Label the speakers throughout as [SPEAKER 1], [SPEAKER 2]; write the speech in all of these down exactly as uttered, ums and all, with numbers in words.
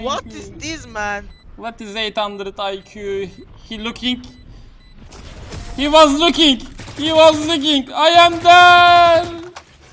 [SPEAKER 1] What is this, man?
[SPEAKER 2] What is eight hundred I Q? He looking. He was looking. He was looking. I am there.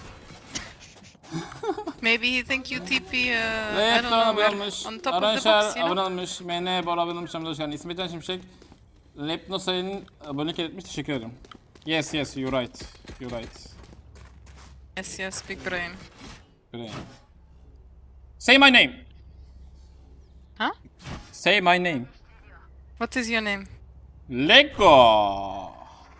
[SPEAKER 3] Maybe he think you T P, uh, I
[SPEAKER 2] Evet,
[SPEAKER 3] don't
[SPEAKER 2] Doğan
[SPEAKER 3] know,
[SPEAKER 2] abone
[SPEAKER 3] where,
[SPEAKER 2] olmuş.
[SPEAKER 3] on top of the
[SPEAKER 2] Aranşar
[SPEAKER 3] box, you
[SPEAKER 2] abone
[SPEAKER 3] know?
[SPEAKER 2] olmuş. M N Bora abone olmuş. Hoş geldin. İsmet Can Şimşek. Lepno sayının abonelik etmiş. Teşekkür ederim. Yes, yes, you're right. You're right.
[SPEAKER 3] Yes, yes, big brain.
[SPEAKER 2] Great. Say my name.
[SPEAKER 3] Huh?
[SPEAKER 2] Say my name.
[SPEAKER 3] What is your name?
[SPEAKER 2] Lego.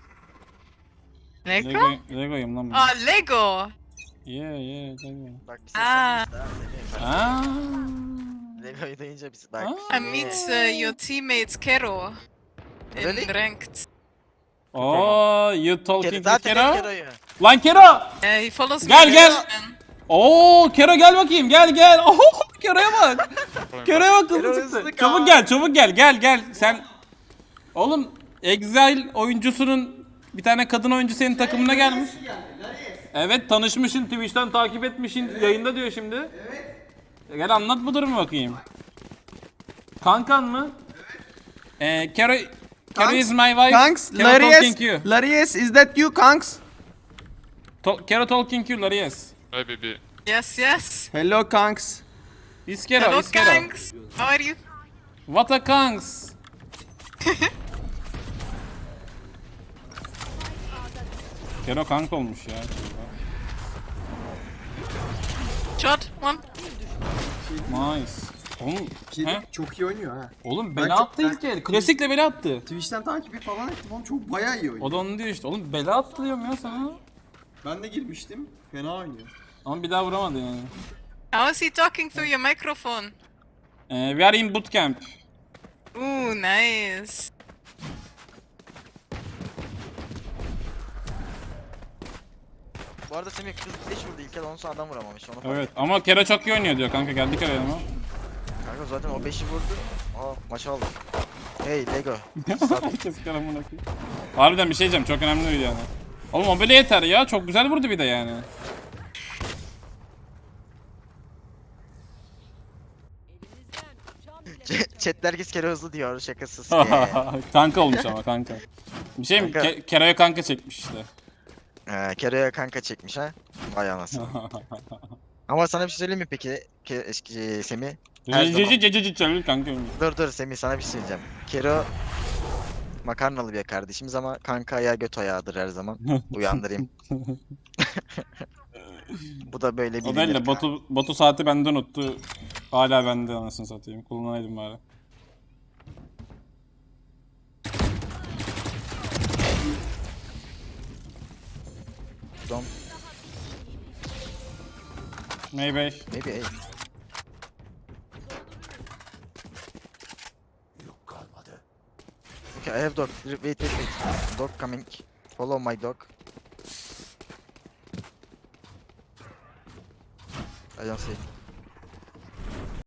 [SPEAKER 3] Lego?
[SPEAKER 2] Lego Lego'yum lan ben.
[SPEAKER 3] Ah, Lego!
[SPEAKER 2] Yeah, yeah, Lego.
[SPEAKER 1] Bak bir
[SPEAKER 3] Aa.
[SPEAKER 1] ses yapmışlar.
[SPEAKER 2] Aa.
[SPEAKER 1] Lego'yu duyunca biz bak.
[SPEAKER 2] Aa.
[SPEAKER 3] I meet uh, your teammates Kero in
[SPEAKER 1] Really?
[SPEAKER 3] ranked.
[SPEAKER 2] Oh, you
[SPEAKER 1] Kero,
[SPEAKER 2] talking to
[SPEAKER 1] zaten hep
[SPEAKER 2] Kero?
[SPEAKER 1] Kero'yu.
[SPEAKER 2] Lan Kero!
[SPEAKER 3] Uh, he follows
[SPEAKER 2] Gel,
[SPEAKER 3] me.
[SPEAKER 2] gel.
[SPEAKER 3] man.
[SPEAKER 2] Oo, Kero gel bakayım. Gel gel. Oh, Kero'ya bak. Kero'ya bak
[SPEAKER 1] Kero
[SPEAKER 2] hızlı
[SPEAKER 1] hızlı
[SPEAKER 2] çıktı.
[SPEAKER 1] kal.
[SPEAKER 2] Çabuk gel, çabuk gel. Gel gel. Sen Oğlum Exile oyuncusunun bir tane kadın oyuncu senin takımına gelmiş. Evet, tanışmışsın, Twitch'ten takip etmişsin. Yayında diyor şimdi. Evet. Gel anlat bu durumu bakayım. Kankan mı? Evet. Ee, Kero Kero is my wife.
[SPEAKER 4] Kanks,
[SPEAKER 2] Kero talking
[SPEAKER 4] Larius,
[SPEAKER 2] you.
[SPEAKER 4] Larius, is that you, Kanks?
[SPEAKER 2] To Kero talking you, Larius.
[SPEAKER 5] Hi, baby.
[SPEAKER 3] Yes, yes.
[SPEAKER 4] Hello, Kanks.
[SPEAKER 2] Is Kero,
[SPEAKER 3] Hello,
[SPEAKER 2] is Kero.
[SPEAKER 3] Kanks. How are you?
[SPEAKER 2] What a kanks. Kero kank olmuş ya.
[SPEAKER 3] Shot, one.
[SPEAKER 2] Nice. Oğlum, he?
[SPEAKER 4] Çok iyi oynuyor ha.
[SPEAKER 2] Oğlum
[SPEAKER 4] Ben
[SPEAKER 2] bela
[SPEAKER 4] çok-
[SPEAKER 2] attı
[SPEAKER 4] ben-
[SPEAKER 2] ilk el. Klasikle bela attı.
[SPEAKER 4] Twitch'ten takibi falan ettim oğlum, çok bayağı iyi oynuyor.
[SPEAKER 2] O da onu diyor işte. Oğlum bela attı diyorum ya sana.
[SPEAKER 4] Ben de girmiştim, fena oynuyor.
[SPEAKER 2] Ama bir daha vuramadı yani.
[SPEAKER 3] How is he talking through your microphone?
[SPEAKER 2] Ee, we are in bootcamp.
[SPEAKER 3] Ooh, nice.
[SPEAKER 1] Bu arada Semih kız beş vurdu ilk el, ondan sonra adam vuramamış. Onu fark
[SPEAKER 2] Evet ama Kero çok iyi oynuyor diyor kanka, geldik araya ama.
[SPEAKER 1] Kanka zaten o beşi vurdu. Aa maç aldı. Hey Lego.
[SPEAKER 2] Herkes karamına koyuyor. Harbiden bir şey diyeceğim, çok önemli değil yani. Oğlum o böyle yeter ya, çok güzel vurdu bir de yani.
[SPEAKER 1] Chat'te herkes kere hızlı diyor, şakasız. Yeah.
[SPEAKER 2] Kanka olmuş ama kanka. Bir şey mi?
[SPEAKER 1] Kanka.
[SPEAKER 2] Ke Kero'ya kanka çekmiş işte.
[SPEAKER 1] Ee, Kero'ya kanka çekmiş ha. Vay anasını. Ama sana bir şey söyleyeyim mi peki? Ke eski Semih. Her zaman-
[SPEAKER 2] Cici cici cici cici kanka.
[SPEAKER 1] Dur dur Semih, sana bir şey söyleyeceğim. Kero makarnalı bir kardeşimiz ama kanka ayağı göt ayağıdır her zaman. Uyandırayım. Bu da böyle
[SPEAKER 2] O
[SPEAKER 1] bilinir.
[SPEAKER 2] değil de
[SPEAKER 1] kanka.
[SPEAKER 2] botu, botu saati bende unuttu. Hala bende, anasını satayım. Kullanaydım bari.
[SPEAKER 1] Don't,
[SPEAKER 2] Maybe.
[SPEAKER 1] maybe hey. Okay, I have dog. Wait, wait, wait. Dog coming. Follow my dog. I don't see.